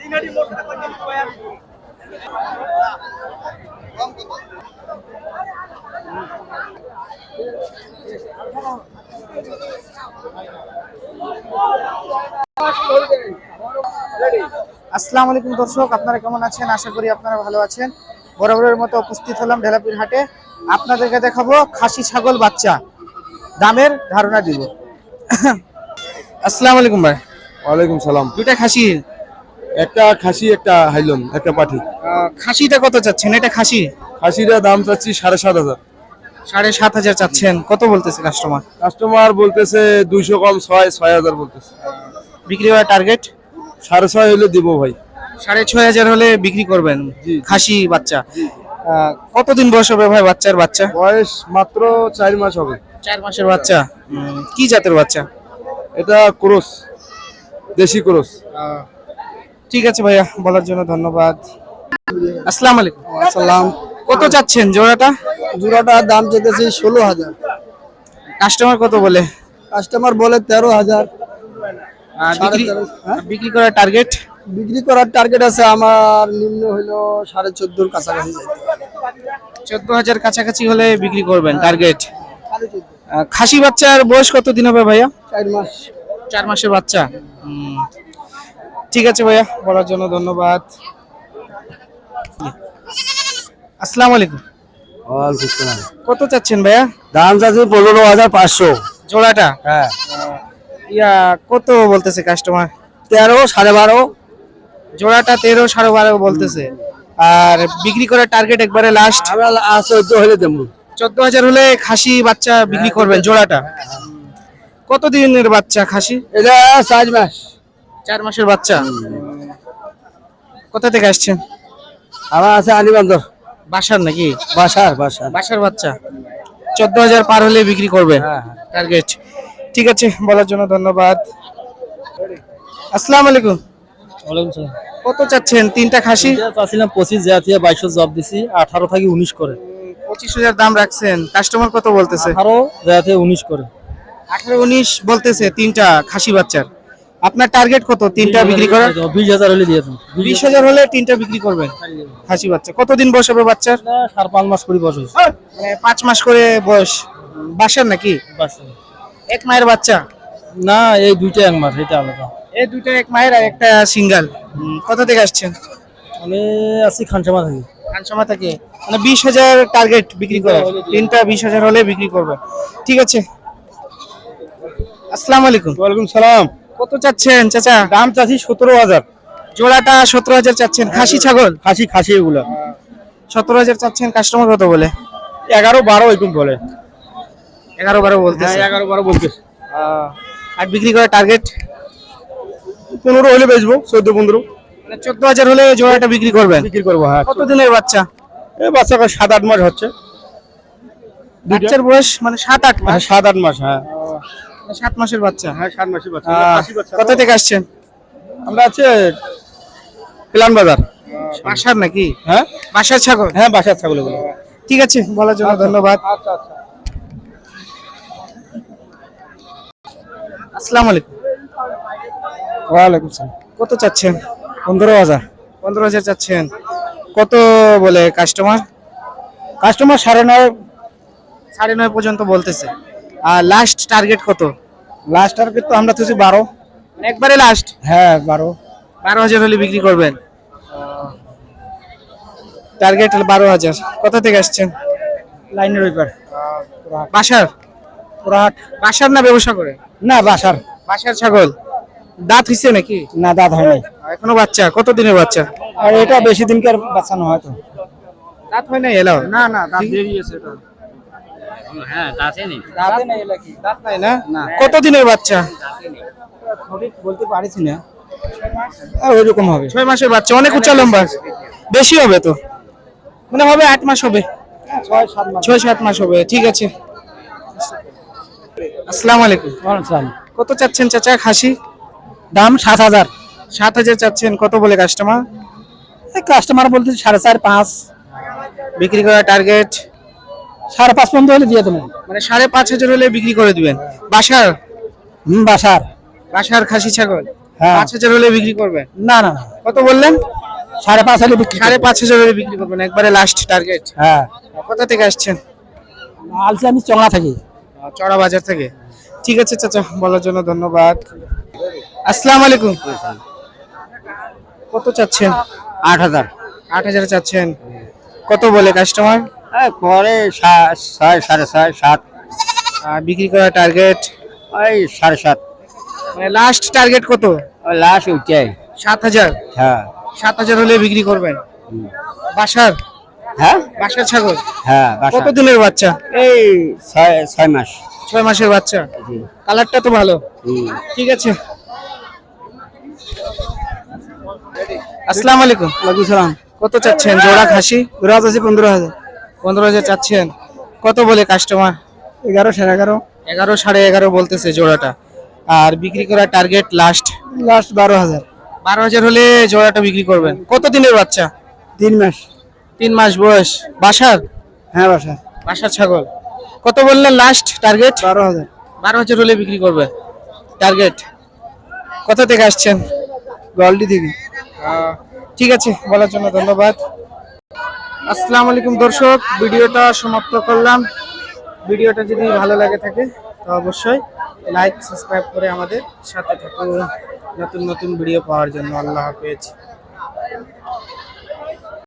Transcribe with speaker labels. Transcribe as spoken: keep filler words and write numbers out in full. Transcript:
Speaker 1: আসসালামু আলাইকুম দর্শক, আপনারা কেমন আছেন? আশা করি আপনারা ভালো আছেন। বরাবরের মতো উপস্থিত হলাম ঢেলাপীর হাটে। আপনাদেরকে দেখাবো খাসি ছাগল বাচ্চা, দামের ধারণা দিব। আসসালামু আলাইকুম ভাই।
Speaker 2: ওয়ালাইকুম সালাম।
Speaker 1: দুইটা খাসি,
Speaker 2: একটা খাসি একটা হাইলন একটা পাঠি।
Speaker 1: খাসিটা কত চাচ্ছেন? এটা খাসি,
Speaker 2: খাসিটা দাম চাচ্ছি সাড়ে সাত হাজার।
Speaker 1: সাড়ে সাত হাজার চাচ্ছেন, কত বলতেছে কাস্টমার?
Speaker 2: কাস্টমার বলতেছে দুইশো কম ছয় ছয় হাজার বলতেছে।
Speaker 1: বিক্রি করার টার্গেট
Speaker 2: সাড়ে ছয় হলে দিব ভাই।
Speaker 1: সাড়ে ছয় হাজার হলে বিক্রি করবেন
Speaker 2: জি।
Speaker 1: খাসি বাচ্চা। আহ, কতদিন বয়স হবে ভাই বাচ্চার? বাচ্চা
Speaker 2: বয়স মাত্র চার মাস হবে।
Speaker 1: চার মাসের বাচ্চা। উম, কি জাতের বাচ্চা?
Speaker 2: এটা ক্রস, দেশি ক্রস।
Speaker 1: ঠিক আছে ভাইয়া, বলার জন্য ধন্যবাদ। আসসালামু আলাইকুম।
Speaker 3: আসসালাম।
Speaker 1: কত চাচ্ছেন জোড়াটা?
Speaker 3: জোড়াটার দাম চেয়েছি ষোলো হাজার,
Speaker 1: কাস্টমার কত বলে?
Speaker 3: কাস্টমার বলে তেরো হাজার।
Speaker 1: আর
Speaker 3: সাড়ে
Speaker 1: বিক্রি
Speaker 3: তেরো, হ্যাঁ?
Speaker 1: বিক্রি করার টার্গেট?
Speaker 3: বিক্রি করার টার্গেট আছে আমার নিম্ন হইলো সাড়ে চোদ্দোর কাছাকাছি যাইতে হবে।
Speaker 1: চোদ্দ হাজার কাছাকাছি হলে বিক্রি করবেন টার্গেট।
Speaker 3: সাড়ে চোদ্দো।
Speaker 1: খাসি বাচ্চার বয়স কত দিন হবে ভাইয়া?
Speaker 3: চার মাস।
Speaker 1: চার মাসের বাচ্চা। হুম, ঠিক আছে ভাইয়া, বলার জন্য ধন্যবাদ। আসসালামু আলাইকুম। কত চাচ্ছেন ভাইয়া?
Speaker 2: দাম চাচ্ছি পনেরো হাজার পাঁচশো
Speaker 1: জোড়াটা?
Speaker 2: হ্যাঁ।
Speaker 1: ইয়া কত বলতেছে কাস্টমার?
Speaker 2: তেরো সাড়ে বারো।
Speaker 1: জোড়াটা তেরো সাড়ে বারো বলতেছে। আর বিক্রি করার টার্গেট একবারে লাস্ট
Speaker 2: আমরা চোদ্দ হলে দেবো।
Speaker 1: চোদ্দ হাজার হলে খাসি বাচ্চা বিক্রি করবেন জোড়াটা? কত দিনের বাচ্চা খাসি?
Speaker 2: এটা চার মাস।
Speaker 1: চার মাসের বাচ্চা। কোথা থেকে আসছেন?
Speaker 2: আমার আছে আলিবান্ধর।
Speaker 1: বাসার নাকি?
Speaker 2: বাসার বাসার
Speaker 1: বাসার বাচ্চা। চোদ্দ হাজার পার হলে বিক্রি করবেন
Speaker 2: হ্যাঁ।
Speaker 1: টার্গেট। ঠিক আছে, বলার জন্য ধন্যবাদ। আসসালামু আলাইকুম।
Speaker 4: ওয়ালাইকুম সালাম।
Speaker 1: কত চাচ্ছেন তিনটা খাসি?
Speaker 4: চাচ্ছিলাম পঁচিশ, জাতীয় বাইশশো জব দিছি, আঠারো থেকে উনিশ করে।
Speaker 1: পঁচিশ হাজার দাম রাখছেন, কাস্টমার কত বলতেছে?
Speaker 4: আঠারো, জাতীয় উনিশ করে।
Speaker 1: আঠারো উনিশ বলতেছে তিনটা খাসি বাচ্চার। আপনার টার্গেট কত তিনটা বিক্রি করার?
Speaker 4: বিশ হাজার হলে দিয়ে দেবো।
Speaker 1: বিশ হাজার হলে তিনটা বিক্রি করবেন খাসি বাচ্চা। কতদিন বয়স হবে বাচ্চার?
Speaker 4: সাড়ে পাঁচ মাস করে বয়স হয়েছে।
Speaker 1: মানে পাঁচ মাস করে বয়স। বাসার নাকি?
Speaker 4: বাস।
Speaker 1: এক মায়ের বাচ্চা?
Speaker 4: না, এই দুইটা এক মাস, এটা আলাদা।
Speaker 1: এই দুইটা এক মায়ের আর একটা সিঙ্গেল। কোথা থেকে আসছেন?
Speaker 4: আমি আছি খানসামা থেকে।
Speaker 1: খানসামা থেকে। মানে বিশ হাজার টার্গেট বিক্রি করার, তিনটা বিশ হাজার হলে বিক্রি করবে। ঠিক আছে। আসসালামু আলাইকুম।
Speaker 2: ওয়ালাইকুম সালাম।
Speaker 1: কত চাচ্ছেন চাচা?
Speaker 2: দাম চাচ্ছি সতেরো হাজার।
Speaker 1: জোড়াটা সতেরো হাজার চাচ্ছেন। খাসি ছাগল?
Speaker 2: খাসি খাসি এগুলা
Speaker 1: সতেরো হাজার চাচ্ছেন, কাস্টমার কত বলে?
Speaker 2: এগারো বারো এরকম বলে।
Speaker 1: এগারো বারো বলতেছে।
Speaker 2: এগারো বারো বলতেছে।
Speaker 1: আর বিক্রি করার টার্গেট?
Speaker 2: পনেরো হলে বেচবো, চোদ্দ পনেরো।
Speaker 1: মানে চোদ্দ হাজার হলে জোড়াটা বিক্রি করবেন?
Speaker 2: বিক্রি করবো। হ্যাঁ।
Speaker 1: কত দিনের বাচ্চা?
Speaker 2: এই বাচ্চাটা সাত আট মাস হচ্ছে।
Speaker 1: বাচ্চার বয়স মানে সাত আট মাস?
Speaker 2: হ্যাঁ, সাত আট মাস। হ্যাঁ
Speaker 1: সাত মাসের বাচ্চা।
Speaker 2: হ্যাঁ সাত মাসের বাচ্চা।
Speaker 1: আহ,
Speaker 2: খাসি বাচ্চা।
Speaker 1: কোথা থেকে আসছেন?
Speaker 2: আমরা আছে প্লান বাজার।
Speaker 1: বাসার নাকি?
Speaker 2: হ্যাঁ
Speaker 1: বাসার ছাগল?
Speaker 2: হ্যাঁ বাসার ছাগল এগুলো।
Speaker 1: ঠিক আছে, বলার জন্য ধন্যবাদ।
Speaker 2: আচ্ছা আচ্ছা।
Speaker 1: আসসালামু আলাইকুম।
Speaker 2: ওয়ালাইকুম সালাম।
Speaker 1: কত চাচ্ছেন?
Speaker 2: পনেরো হাজার।
Speaker 1: পনেরো হাজার চাচ্ছেন, কত বলে কাস্টমার?
Speaker 2: কাস্টমার সাড়ে নয়।
Speaker 1: সাড়ে নয় পর্যন্ত বলতেছে। আর লাস্ট টার্গেট কত?
Speaker 2: লাস্ট টার্গেট তো আমরা তো বারো।
Speaker 1: একবারে লাস্ট?
Speaker 2: হ্যাঁ বারো।
Speaker 1: বারো হাজার হলে বিক্রি করবেন টার্গেট? বারো হাজার। কোথা থেকে আসছেন?
Speaker 2: লাইনের ওইপার।
Speaker 1: বাসার?
Speaker 2: পুরাহাট।
Speaker 1: বাসার না ব্যবসা করে?
Speaker 2: না বাসার।
Speaker 1: বাসার ছাগল। দাঁত হইছে নাকি?
Speaker 2: না দাঁত হয় নাই।
Speaker 1: এখনো বাচ্চা? কত দিনের বাচ্চা?
Speaker 2: আর এটা বেশি দিনকার বাচ্চানো হয়তো।
Speaker 1: দাঁত হয় নাই এলো?
Speaker 2: না না দাঁত বেরিয়েছে এটা।
Speaker 4: হ্যাঁ, দাঁতে নেই।
Speaker 2: দাঁতে নেই এলা কি?
Speaker 1: দাঁত নাই না?
Speaker 2: না।
Speaker 1: কত দিনের বাচ্চা?
Speaker 2: সঠিক বলতে পারছি না। ওইরকম হবে।
Speaker 1: ছয় মাসের বাচ্চা, অনেক উচ্চ লম্বা। বেশি হবে তো, মানে হবে আট মাস হবে।
Speaker 2: ছয় সাত মাস।
Speaker 1: ছয় সাত মাস হবে। ঠিক আছে। আসসালামু আলাইকুম।
Speaker 2: ওয়ালাইকুম।
Speaker 1: কত চাচ্ছেন চাচা খাসি?
Speaker 2: দাম সাত হাজার।
Speaker 1: সাত হাজার চাচ্ছেন, কত বলে কাস্টমার?
Speaker 2: কাস্টমার বলতে সাড়ে চার পাঁচ।
Speaker 1: বিক্রি করার টার্গেট?
Speaker 2: সাড়ে পাঁচ পর্যন্ত হলে দিয়ে দেবো।
Speaker 1: মানে সাড়ে পাঁচ হাজার হলে বিক্রি করে দিবেন। বাসার?
Speaker 2: হুম বাসার।
Speaker 1: বাসার খাসি ছাগল
Speaker 3: হ্যাঁ।
Speaker 1: পাঁচ হাজার হলে বিক্রি করবেন?
Speaker 3: না না না
Speaker 1: কত বললেন?
Speaker 3: সাড়ে পাঁচ হাজার বিক্রি
Speaker 1: সাড়ে পাঁচ হাজার হলে বিক্রি করবেন, একবারে লাস্ট টার্গেট।
Speaker 3: হ্যাঁ
Speaker 1: কোথা থেকে আসছেন?
Speaker 3: আলসি আমি চংলা থাকি।
Speaker 1: চড়া বাজার থেকে। ঠিক আছে চাচা, বলার জন্য ধন্যবাদ। আসসালামু আলাইকুম। কত চাচ্ছেন?
Speaker 3: আট হাজার
Speaker 1: আট হাজার চাচ্ছেন। কত বলে কাস্টমার?
Speaker 3: পরে ছয় সাড়ে ছয় সাত
Speaker 1: বিক্রি করার টার্গেট
Speaker 3: ওই সাড়ে সাত
Speaker 1: মানে লাস্ট টার্গেট কত?
Speaker 3: ওই লাস্ট উঠে।
Speaker 1: সাত হাজার।
Speaker 3: হ্যাঁ
Speaker 1: সাত হাজার হলে বিক্রি করবেন। বাসার
Speaker 3: হ্যাঁ
Speaker 1: বাসার ছাগল
Speaker 3: হ্যাঁ
Speaker 1: কত দিনের বাচ্চা?
Speaker 3: এই ছয় ছয় মাস।
Speaker 1: ছয় মাসের বাচ্চা। কালারটা তো ভালো। ঠিক আছে। আসসালামু আলাইকুম।
Speaker 3: ওয়ালাইকুম সালাম।
Speaker 1: কত চাচ্ছেন জোড়া খাসি?
Speaker 3: জোড়া আছে পনেরো হাজার।
Speaker 1: পনেরো হাজার চাচ্ছেন। কত বলে কাস্টমার?
Speaker 3: এগারো সাড়ে এগারো
Speaker 1: এগারো সাড়ে এগারো বলতেছে জোড়াটা। আর বিক্রি করার টার্গেট লাস্ট
Speaker 3: লাস্ট বারো হাজার।
Speaker 1: বারো হাজার হলে জোড়াটা বিক্রি করবেন। কত দিনের বাচ্চা?
Speaker 3: তিন মাস।
Speaker 1: তিন মাস বয়স। বাসার?
Speaker 3: হ্যাঁ বাসা।
Speaker 1: বাসার ছাগল। কত বললেন লাস্ট টার্গেট?
Speaker 3: বারো হাজার।
Speaker 1: বারো হাজার হলে বিক্রি করবেন টার্গেট। কোথা থেকে আসছেন?
Speaker 3: গোয়ালদি থেকে।
Speaker 1: ঠিক আছে, বলার জন্য ধন্যবাদ। আসসালামু আলাইকুম দর্শক, ভিডিওটা সমাপ্ত করলাম। ভিডিওটা যদি ভালো লাগে থাকে তো অবশ্যই লাইক সাবস্ক্রাইব করে আমাদের সাথে থাকুন নতুন নতুন ভিডিও পাওয়ার জন্য। আল্লাহ হাফেজ।